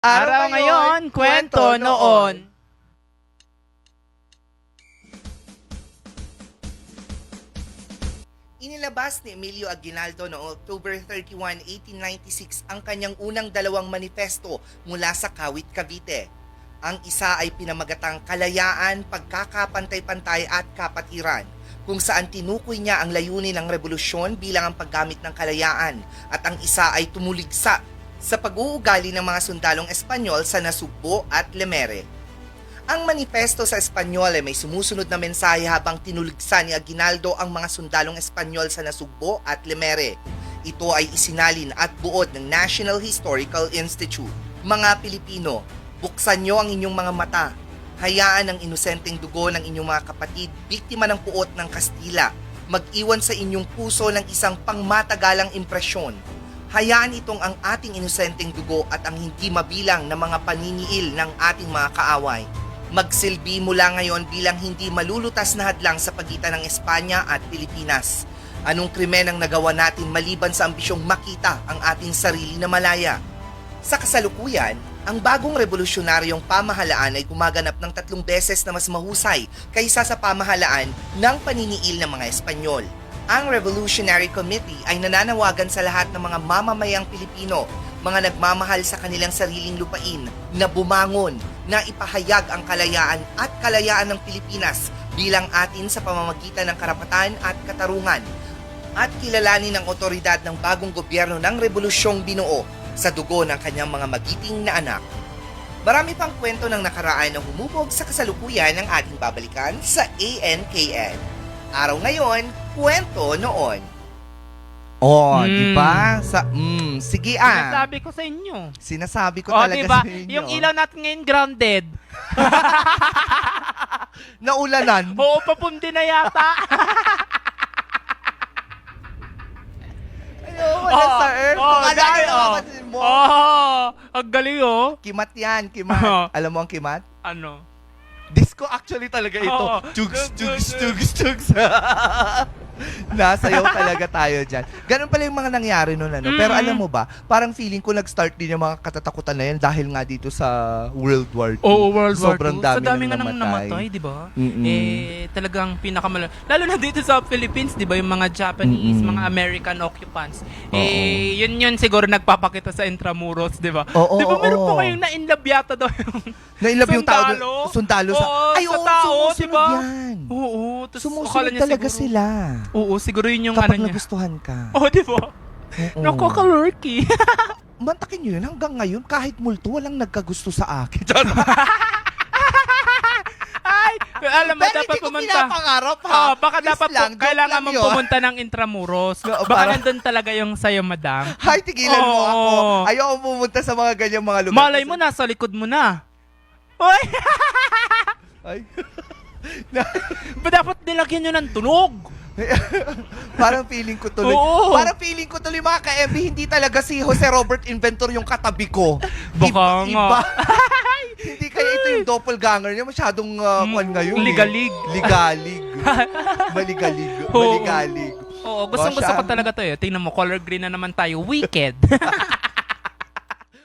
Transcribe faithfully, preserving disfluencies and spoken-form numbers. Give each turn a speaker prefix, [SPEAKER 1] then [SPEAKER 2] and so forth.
[SPEAKER 1] Araw ngayon, kwento noon.
[SPEAKER 2] Inilabas ni Emilio Aguinaldo noong October thirty-first, eighteen ninety-six ang kanyang unang dalawang manifesto mula sa Kawit, Cavite. Ang isa ay pinamagatang Kalayaan, Pagkakapantay-pantay at Kapatiran, kung saan tinukoy niya ang layunin ng revolusyon bilang ang paggamit ng kalayaan, at ang isa ay tumuligsa sa pag-uugali ng mga sundalong Espanyol sa Nasugbo at Lemere. Ang manifesto sa Espanyol ay may sumusunod na mensahe habang tinuligsa ni Aguinaldo ang mga sundalong Espanyol sa Nasugbo at Lemere. Ito ay isinalin at buod ng National Historical Institute. Mga Pilipino, buksan niyo ang inyong mga mata. Hayaan ang inosenteng dugo ng inyong mga kapatid, biktima ng puot ng Kastila, mag-iwan sa inyong puso ng isang pangmatagalang impresyon. Hayaan itong ang ating inosenteng dugo at ang hindi mabilang na mga paniniil ng ating mga kaaway. Magsilbi mula ngayon bilang hindi malulutas na hadlang sa pagitan ng Espanya at Pilipinas. Anong krimen ang nagawa natin maliban sa ambisyong makita ang ating sarili na malaya? Sa kasalukuyan, ang bagong revolusyonaryong pamahalaan ay gumaganap ng tatlong beses na mas mahusay kaysa sa pamahalaan ng paniniil ng mga Espanyol. Ang Revolutionary Committee ay nananawagan sa lahat ng mga mamamayang Pilipino, mga nagmamahal sa kanilang sariling lupain, na bumangon, na ipahayag ang kalayaan at kalayaan ng Pilipinas bilang atin sa pamamagitan ng karapatan at katarungan, at kilalanin ang otoridad ng bagong gobyerno ng revolusyong binuo sa dugo ng kanyang mga magiting na anak. Marami pang kwento ng nakaraan na humubog sa kasalukuyan ng ating babalikan sa A N K N. Araw ngayon, kwento noon.
[SPEAKER 1] Oh,
[SPEAKER 3] Mm.
[SPEAKER 1] di ba? Sa mm, sige ah.
[SPEAKER 3] Sinasabi ko sa inyo.
[SPEAKER 1] Sinasabi ko
[SPEAKER 3] Oh,
[SPEAKER 1] talaga
[SPEAKER 3] diba?
[SPEAKER 1] sa inyo.
[SPEAKER 3] Yung ilaw natin ngayon grounded.
[SPEAKER 1] Naulanan.
[SPEAKER 3] Oo, papundi na yata.
[SPEAKER 1] Ayaw, wala sa earth.
[SPEAKER 3] Oh,
[SPEAKER 1] Kung ano
[SPEAKER 3] dahil,
[SPEAKER 1] yung
[SPEAKER 3] oh.
[SPEAKER 1] kapatid mo.
[SPEAKER 3] Oh, ang galing oh.
[SPEAKER 1] Kimat yan, kimat.
[SPEAKER 3] Oh.
[SPEAKER 1] Alam mo ang kimat?
[SPEAKER 3] Ano?
[SPEAKER 1] Disco actually talaga ito.
[SPEAKER 3] Oo.
[SPEAKER 1] Chugs, chugs, chugs, chugs. Nasayaw talaga tayo dyan. Ganun pala yung mga nangyari nun. Ano? Pero
[SPEAKER 3] Mm.
[SPEAKER 1] alam mo ba, parang feeling ko nag-start din yung mga katatakutan na yan dahil nga dito sa World War Two.
[SPEAKER 3] Oo, World War
[SPEAKER 1] Sobrang
[SPEAKER 3] Two.
[SPEAKER 1] dami
[SPEAKER 3] Sa dami
[SPEAKER 1] nang
[SPEAKER 3] nga nang
[SPEAKER 1] namatay.
[SPEAKER 3] namatay, di ba?
[SPEAKER 1] Mm-mm.
[SPEAKER 3] Eh, talagang pinakamala. Lalo na dito sa Philippines, di ba? Yung mga Japanese,
[SPEAKER 1] Mm-mm.
[SPEAKER 3] mga American occupants.
[SPEAKER 1] Oo.
[SPEAKER 3] Eh, yun yun siguro nagpapakita sa Intramuros, di ba?
[SPEAKER 1] Oo,
[SPEAKER 3] Di ba meron
[SPEAKER 1] oo.
[SPEAKER 3] po kayong na-inlove yata daw yung
[SPEAKER 1] Nailab yung tao.
[SPEAKER 3] Sundalo?
[SPEAKER 1] Sundalo sa...
[SPEAKER 3] Oo,
[SPEAKER 1] Ay,
[SPEAKER 3] sa
[SPEAKER 1] oo,
[SPEAKER 3] tao,
[SPEAKER 1] sumusunod
[SPEAKER 3] diba?
[SPEAKER 1] yan.
[SPEAKER 3] Oo, tapos akala
[SPEAKER 1] Sumusunod
[SPEAKER 3] niya
[SPEAKER 1] talaga
[SPEAKER 3] siguro-
[SPEAKER 1] sila.
[SPEAKER 3] Oo, siguro yun yung
[SPEAKER 1] Kapag
[SPEAKER 3] ano niya.
[SPEAKER 1] nagustuhan ka.
[SPEAKER 3] Oh, di ba?
[SPEAKER 1] Oo.
[SPEAKER 3] Nakakalurky.
[SPEAKER 1] Mantakin nyo yun, hanggang ngayon, kahit multo, walang nagkagusto sa akin.
[SPEAKER 3] Ay, alam mo,
[SPEAKER 1] Pero
[SPEAKER 3] dapat
[SPEAKER 1] hindi ko
[SPEAKER 3] pumunta.
[SPEAKER 1] pinapangarap, ha?
[SPEAKER 3] Oh, baka
[SPEAKER 1] Please
[SPEAKER 3] dapat
[SPEAKER 1] lang,
[SPEAKER 3] po,
[SPEAKER 1] joke
[SPEAKER 3] kailangan
[SPEAKER 1] lang
[SPEAKER 3] mong
[SPEAKER 1] yun.
[SPEAKER 3] pumunta ng Intramuros.
[SPEAKER 1] Oo,
[SPEAKER 3] Baka
[SPEAKER 1] para-
[SPEAKER 3] nandun talaga yung sayo, madam.
[SPEAKER 1] Hay, tigilan mo
[SPEAKER 3] Oo.
[SPEAKER 1] ako. Ayoko pumunta sa mga ganyang mga lugar.
[SPEAKER 3] Malay mo, nasa likod mo na. Uy,
[SPEAKER 1] Ay.
[SPEAKER 3] ba dapat nilagyan nyo ng tunog?
[SPEAKER 1] Parang feeling ko tuloy.
[SPEAKER 3] Oo.
[SPEAKER 1] Parang feeling ko tuloy mga ka-M B, hindi talaga si Jose Robert Inventor yung katabi ko.
[SPEAKER 3] Baka
[SPEAKER 1] Iba-
[SPEAKER 3] nga.
[SPEAKER 1] iba. Hindi kaya ito yung doppelganger niya. Masyadong uh,
[SPEAKER 3] Mm,
[SPEAKER 1] kwan ngayon.
[SPEAKER 3] ligalig.
[SPEAKER 1] Eh. Ligalig. Maligalig.
[SPEAKER 3] Oo.
[SPEAKER 1] Maligalig.
[SPEAKER 3] Oo, gustong gusto
[SPEAKER 1] siya.
[SPEAKER 3] ko talaga to eh. Tingnan mo, color green na naman tayo. Wicked.